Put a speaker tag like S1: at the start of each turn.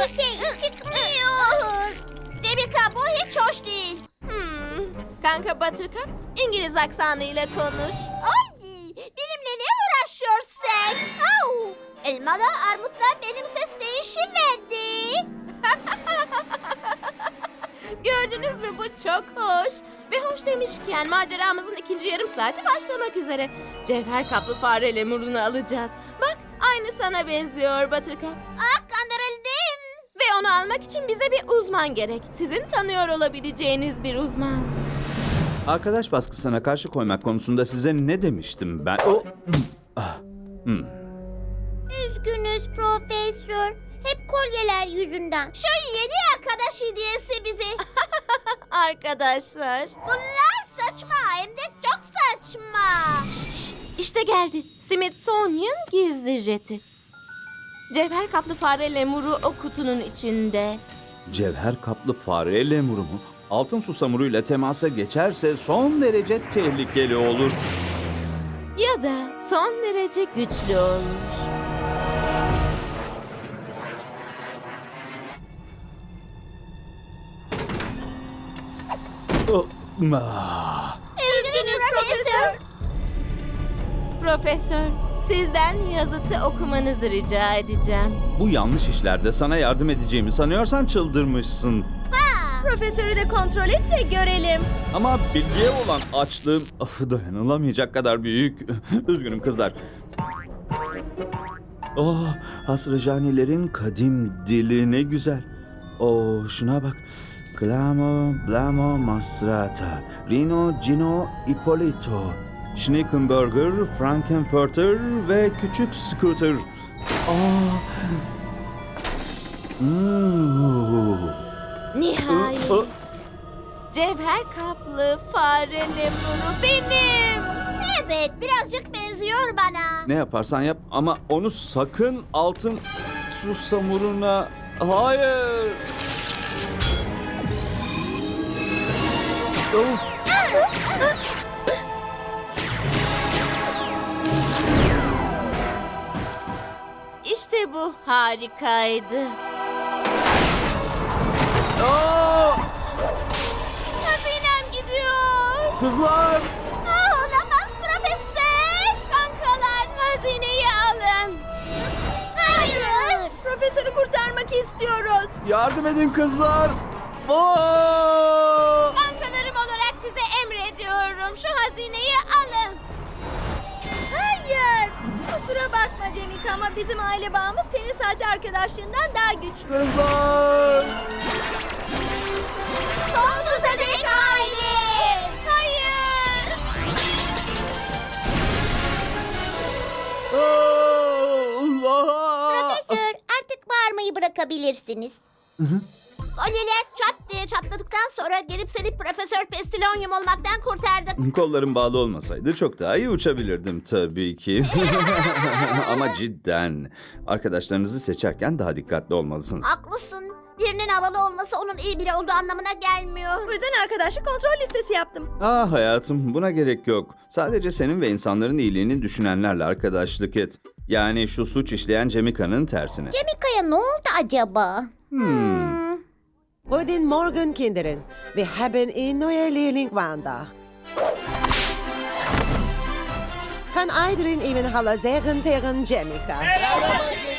S1: Hiçbir şey çıkmıyor. Cemika bu hiç hoş değil.
S2: Kanka Buttercup, İngiliz aksanıyla konuş.
S1: Ay, benimle ne uğraşıyorsun sen? Au, elmalı armutla benim ses değişmedi.
S2: Gördünüz mü, bu çok hoş. Ve hoş demişken maceramızın ikinci yarım saati başlamak üzere. Cevher kaplı fare lemurunu alacağız. Bak, aynı sana benziyor Buttercup.
S1: Ah, kandırıldım.
S2: Ve onu almak için bize bir uzman gerek. Sizin tanıyor olabileceğiniz bir uzman.
S3: Arkadaş baskısına karşı koymak konusunda size ne demiştim ben?
S1: Üzgünüz profesör. Hep kolyeler yüzünden. Şu yeni arkadaş hediyesi bizi.
S2: Arkadaşlar.
S1: Bunlar saçma, hem de çok saçma.
S2: İşte geldi. Smithsonian gizli jeti. Cevher kaplı fare lemuru o kutunun içinde.
S3: Cevher kaplı fare lemuru mu? Altın susamuruyla temasa geçerse son derece tehlikeli olur.
S2: Ya da son derece güçlü olur.
S1: Üzgünüz profesör.
S2: Profesör, sizden yazıtı okumanızı rica edeceğim.
S3: Bu yanlış işlerde sana yardım edeceğimi sanıyorsan çıldırmışsın.
S2: Profesörü de kontrol et de görelim.
S3: Ama bilgiye olan açlığım dayanılamayacak kadar büyük. Üzgünüm kızlar. Oh, Hasrıcanilerin kadim dili ne güzel. Oh, şuna bak. Clamo, Blamo, Mastrata, Rino, Gino, Ippolito, Schnickenburger, Frankenfurter ve Küçük Scooter. Oh.
S2: Nihayet. Cevher kaplı fare lemuru benim.
S1: Evet, birazcık benziyor bana.
S3: Ne yaparsan yap ama onu sakın altın susamuruna... Hayır! Oh.
S2: İşte bu harikaydı.
S3: Oh!
S2: Hazinem gidiyor.
S3: Kızlar!
S1: Olamaz profesör.
S2: Kankalar, hazineyi alın.
S1: Hayır.
S2: Profesörü kurtarmak istiyoruz.
S3: Yardım edin kızlar! Oh!
S2: Kankalarım olarak size emrediyorum. Şu hazineyi alın. Hayır. Kusura bakma Cemika ama bizim aile bağımız senin sahte arkadaşlığından daha güçlü.
S3: Kızlar!
S1: Sonsuza dek aile.
S2: Hayır.
S3: Oh!
S1: Profesör, artık bağırmayı bırakabilirsiniz. Kolyeler çat diye çatladıktan sonra gelip seni Profesör Pestilonium olmaktan kurtardık.
S3: Kollarım bağlı olmasaydı çok daha iyi uçabilirdim tabii ki. Ama cidden arkadaşlarınızı seçerken daha dikkatli olmalısınız.
S1: Haklısın. Birinin havalı olması onun iyi biri olduğu anlamına gelmiyor.
S2: Bu yüzden arkadaşlık kontrol listesi yaptım.
S3: Ah hayatım, buna gerek yok. Sadece senin ve insanların iyiliğini düşünenlerle arkadaşlık et. Yani şu suç işleyen Cemika'nın tersine.
S1: Cemika'ya ne oldu acaba?
S4: Guten Morgen, Kinderen. Wir haben eine neue Lehrling Wanda. Kan iedereen even hallo zeggen tegen Jemica?